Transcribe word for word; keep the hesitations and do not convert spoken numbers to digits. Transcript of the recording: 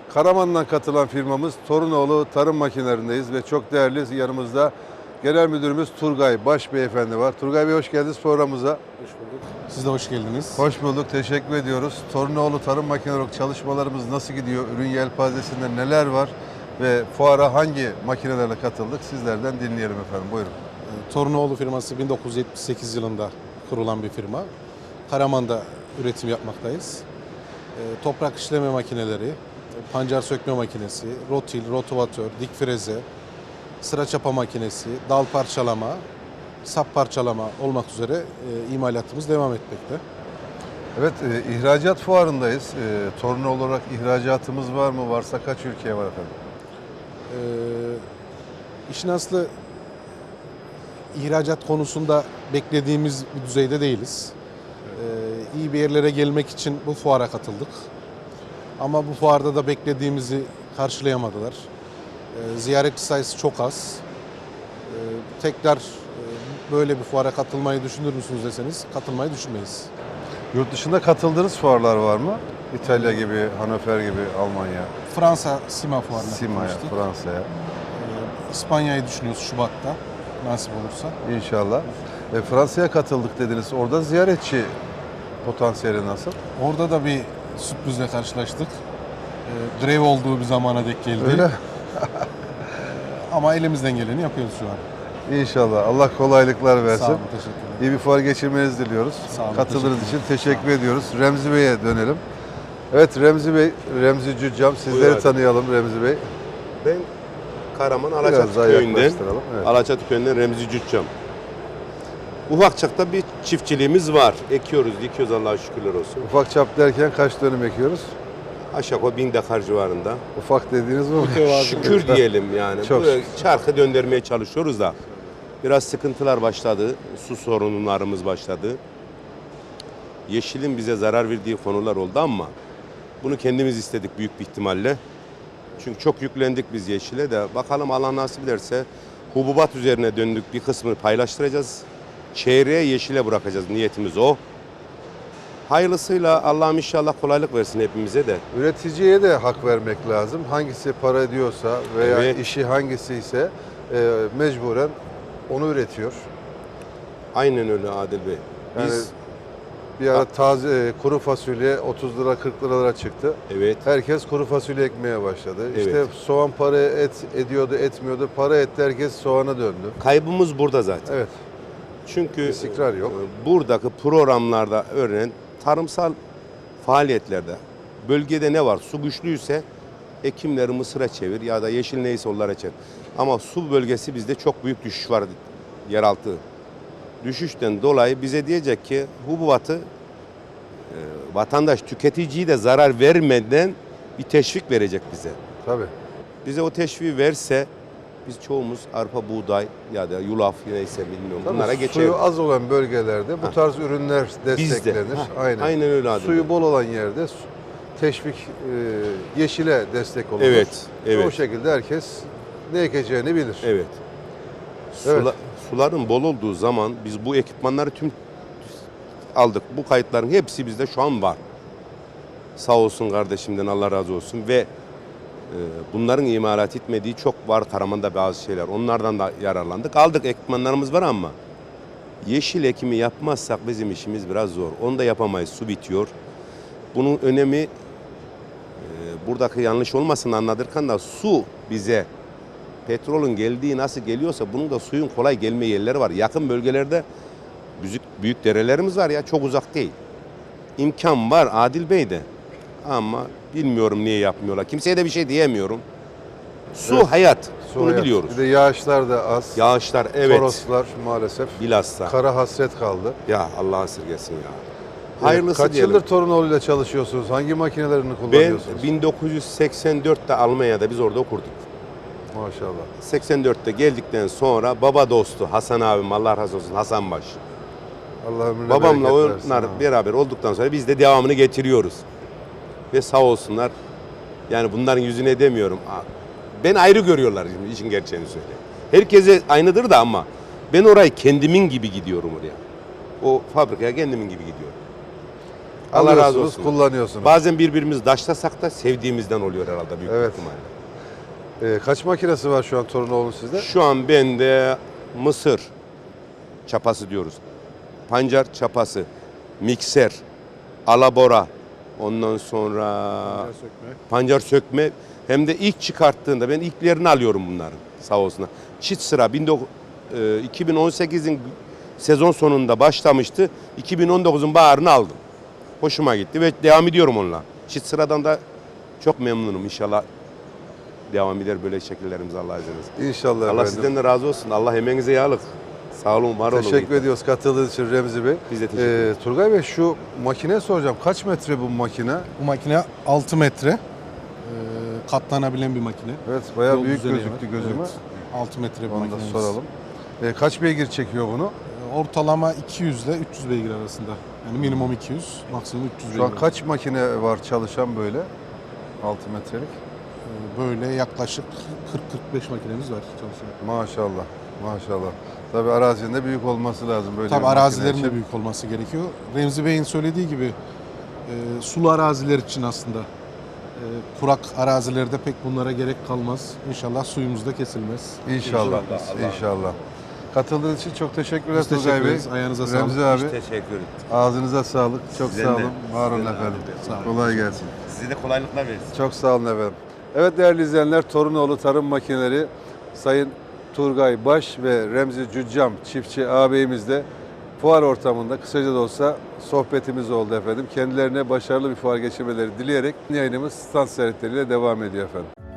Karaman'dan katılan firmamız Torunoğlu Tarım Makinelerindeyiz ve çok değerli yanımızda Genel Müdürümüz Turgay Baş Beyefendi var. Turgay Bey hoş geldiniz programımıza. Hoş bulduk. Siz de hoş geldiniz. Hoş bulduk, teşekkür ediyoruz. Torunoğlu Tarım Makineleri çalışmalarımız nasıl gidiyor? Ürün yelpazesinde neler var? Ve fuara hangi makinelerle katıldık? Sizlerden dinleyelim efendim, buyurun. Torunoğlu firması bin dokuz yüz yetmiş sekiz yılında kurulan bir firma. Karaman'da üretim yapmaktayız. Toprak işleme makineleri, pancar sökme makinesi, rotil, rotovatör, dik freze, sıra çapa makinesi, dal parçalama, sap parçalama olmak üzere e, imalatımız devam etmekte. Evet, e, ihracat fuarındayız. E, Torunoğlu olarak ihracatımız var mı? Varsa kaç ülkeye var efendim? E, işin aslı ihracat konusunda beklediğimiz bir düzeyde değiliz. E, iyi bir yerlere gelmek için bu fuara katıldık. Ama bu fuarda da beklediğimizi karşılayamadılar. E, ziyaretçi sayısı çok az. E, tekrar e, böyle bir fuara katılmayı düşünür müsünüz deseniz katılmayı düşünmeyiz. Yurt dışında katıldığınız fuarlar var mı? İtalya gibi, Hannover gibi, Almanya, Fransa Sima fuarına Sima'ya, katılmıştık. Fransa'ya. E, İspanya'yı düşünüyoruz Şubat'ta nasip olursa. İnşallah. E, Fransa'ya katıldık dediniz. Orada ziyaretçi potansiyeli nasıl? Orada da bir sürprizle karşılaştık. E, grev olduğu bir zamana denk geldi. Öyle. Ama elimizden geleni yapıyoruz şu an. İnşallah. Allah kolaylıklar versin. Sağ olun, teşekkür ederim. İyi bir fuar geçirmenizi diliyoruz. Sağ olun, Katıldığınız teşekkür için teşekkür ediyoruz. Remzi Bey'e dönelim. Evet Remzi Bey, Remzi Cüccam. Sizleri Buyur abi. tanıyalım Remzi Bey. Ben Karaman Biraz Alaçatı daha köyünden, yaklaştıralım, evet. Alaçatı köyünden Remzi Cüccam. Ufakçakta bir çiftçiliğimiz var. Ekiyoruz, dikiyoruz Allah'a şükürler olsun. Ufak çap derken kaç dönüm ekiyoruz? Aşağı yukarı bin dekar civarında. Ufak dediğiniz mi? Şükür diyelim yani. Çok Böyle şükür. çarkı döndürmeye çalışıyoruz da. Biraz sıkıntılar başladı. Su sorunlarımız başladı. Yeşilin bize zarar verdiği konular oldu ama bunu kendimiz istedik büyük bir ihtimalle. Çünkü çok yüklendik biz yeşile de. Bakalım Allah nasip ederse hububat üzerine döndük, bir kısmını paylaştıracağız. Çeyreğe yeşile bırakacağız, niyetimiz o. Hayırlısıyla Allah'ım inşallah kolaylık versin hepimize de. Üreticiye de hak vermek lazım. Hangisi para ediyorsa veya Evet. işi hangisi ise e, mecburen onu üretiyor. Aynen öyle Adil Bey. Yani Biz, bir ara taze e, kuru fasulye otuz lira kırk liralara çıktı. evet, Herkes kuru fasulye ekmeye başladı. Evet. İşte soğan para et ediyordu, etmiyordu. Para etti, herkes soğana döndü. kaybımız burada zaten. Evet. Çünkü İstikrar yok. e, buradaki programlarda örneğin tarımsal faaliyetlerde bölgede ne var? Su güçlüyse ekimleri mısıra çevir ya da yeşil neyse onlara çevir. Ama su bölgesi bizde çok büyük düşüş var yeraltı. Düşüşten dolayı bize diyecek ki hububatı e, vatandaş tüketiciyi de zarar vermeden bir teşvik verecek bize. Tabii. Bize o teşviği verse biz çoğumuz arpa, buğday ya da yulaf neyse bilmiyorum Tabii bunlara suyu geçeriz. az olan bölgelerde bu Ha. tarz ürünler desteklenir. Ha, Aynen. aynen öyle abi. Suyu bol olan yerde su- teşvik e, yeşile destek olur. Evet, Ve evet. O şekilde herkes ne ekeceğini bilir. Evet. Evet. Sula- suların bol olduğu zaman biz bu ekipmanları tüm aldık. Bu kayıtların hepsi bizde şu an var. Sağ olsun kardeşimden Allah razı olsun ve e, bunların imalat etmediği çok var Karaman'da bazı şeyler. Onlardan da yararlandık. Aldık ekipmanlarımız var ama yeşil ekimi yapmazsak bizim işimiz biraz zor. Onu da yapamayız. Su bitiyor. Bunun önemi e, buradaki yanlış olmasın anladırken da su bize petrolün geldiği nasıl geliyorsa bunun da suyun kolay gelme yerleri var. Yakın bölgelerde büyük, büyük derelerimiz var ya çok uzak değil. İmkan var Adil Bey'de ama bilmiyorum niye yapmıyorlar. Kimseye de bir şey diyemiyorum. Su Evet. hayat. Su Bunu hayat. biliyoruz. Bir de yağışlar da az. Yağışlar evet. Toroslar maalesef. Bilhassa. Kara hasret kaldı. Ya Allah esirgesin ya. Evet, Hayırlısı kaç diyelim. yıldır Torunoğlu'yla çalışıyorsunuz? Hangi makinelerini Ben kullanıyorsunuz? bin dokuz yüz seksen dörtte Almanya'da biz orada okurduk. Maşallah. seksen dörtte geldikten sonra baba dostu Hasan abim Allah razı olsun Hasan Baş. Allah ömrüne Babamla bereket versin. onlar Ha. beraber olduktan sonra biz de devamını getiriyoruz. Ve sağ olsunlar. Yani bunların yüzüne demiyorum. Ben ayrı görüyorlar şimdi işin gerçeğini söyleyeyim. Herkese aynıdır da ama ben orayı kendimin gibi gidiyorum oraya. O fabrikaya kendimin gibi gidiyorum. Allah razı Alıyorsunuz, olsun. kullanıyorsunuz. Bazen birbirimizi daşlasak da sevdiğimizden oluyor herhalde büyük Evet. ihtimalle. Ee, kaç makinesi var şu an Torunoğlu sizde? Şu an bende mısır çapası diyoruz. Pancar çapası, mikser, alabora, ondan sonra pancar sökme. Hem de ilk çıkarttığında ben ilklerini alıyorum bunların sağ olsunlar. Çit sıra bin dokuz- e, iki bin on sekizin sezon sonunda başlamıştı. iki bin on dokuzun baharını aldım. Hoşuma gitti ve devam ediyorum onunla. Çit sıradan da çok memnunum inşallah. Devam eder böyle şekillerimiz Allah izin verirse. İnşallah Allah efendim. sizden de razı olsun. Allah emeğinize yağlık. Sağ olun, var olun. Teşekkür ediyoruz katıldığınız için Remzi Bey. Biz de teşekkür Ee, ederiz. Turgay Bey şu makine soracağım. Kaç metre bu makine? Bu makine altı metre. Ee, katlanabilen bir makine. Evet, bayağı Yol büyük düzeni gözüktü var. gözüme. Evet, altı metre bir Onu da makinemiz. soralım. Ee, kaç beygir çekiyor bunu? Ee, Ortalama iki yüz ile üç yüz beygir arasında. Yani minimum iki yüz, maksimum üç yüz Şu an beygir. kaç makine var çalışan böyle? altı metrelik. Ee, Böyle yaklaşık kırk kırk beş makinemiz var çalışan. Maşallah. Maşallah. Tabii arazinin de büyük olması lazım böyle bir Tabii makine arazilerin için. de büyük olması gerekiyor. Remzi Bey'in söylediği gibi e, sulu araziler için aslında e, kurak arazilerde pek bunlara gerek kalmaz. İnşallah suyumuz da kesilmez. İnşallah. İnşallah. İnşallah. Katıldığınız için çok teşekkürler Biz teşekkür Turgay Bey. ederiz. Ayağınıza sağlık. Remzi abi Teşekkür ederim. ağzınıza sağlık. Çok Sizden sağ de. olun. Var olun Sizden de efendim. abi. Sağ olun. Kolay gelsin. Size de kolaylıklar versin. Çok sağ olun efendim. Evet değerli izleyenler, Torunoğlu Tarım Makineleri Sayın Turgay Baş ve Remzi Cüccam çiftçi ağabeyimizle fuar ortamında kısaca da olsa sohbetimiz oldu efendim. Kendilerine başarılı bir fuar geçirmeleri dileyerek yayınımız stand ziyaretleriyle devam ediyor efendim.